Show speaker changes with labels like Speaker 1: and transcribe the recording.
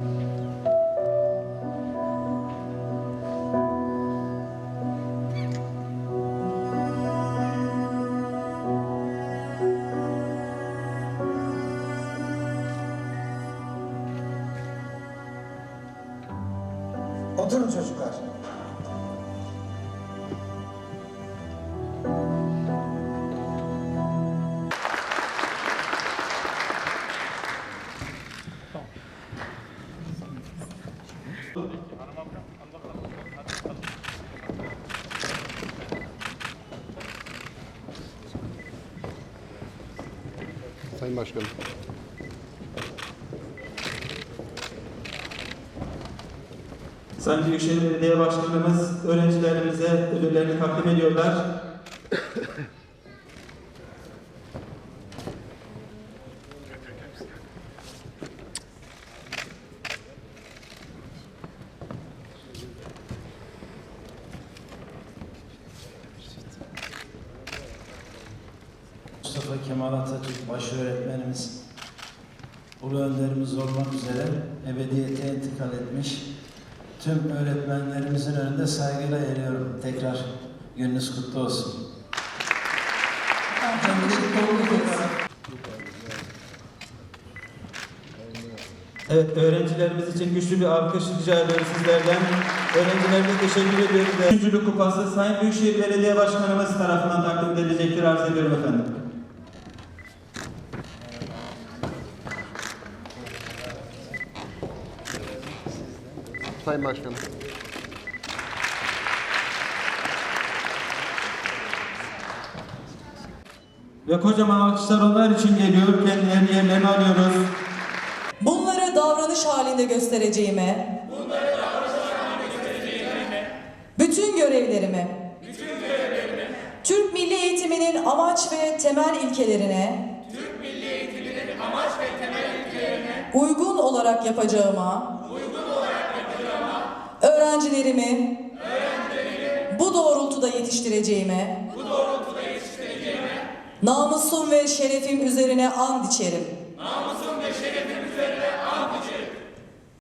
Speaker 1: Oturun çocuklar.
Speaker 2: Sayın Başkanım.
Speaker 3: Sayın Büyükşehir Belediye Başkanımız öğrencilerimize ödüllerini takdim ediyorlar.
Speaker 4: Mustafa Kemal Atatürk başöğretmenimiz, ulu önderimiz olmak üzere ebediyete intikal etmiş. Tüm öğretmenlerimizin önünde saygıyla eğiliyorum. Tekrar gününüz kutlu olsun.
Speaker 3: Evet, öğrencilerimiz için güçlü bir alkış rica ediyoruz sizlerden. Öğrencilerimize teşekkür ediyoruz. Üçüncülük kupası Sayın Büyükşehir Belediye Başkanımız tarafından takdim edilecektir. Arz ediyorum efendim.
Speaker 2: Sayın Başkanım.
Speaker 3: Ve kocaman alkışlar onlar için geliyor. Kendilerini yerlerine alıyoruz.
Speaker 5: Bunları davranış halinde göstereceğime, bütün görevlerimi, Türk Milli Eğitimi'nin amaç ve temel ilkelerine, uygun olarak yapacağıma, öğrencilerimi bu doğrultuda yetiştireceğime, namusum ve şerefim üzerine and içerim.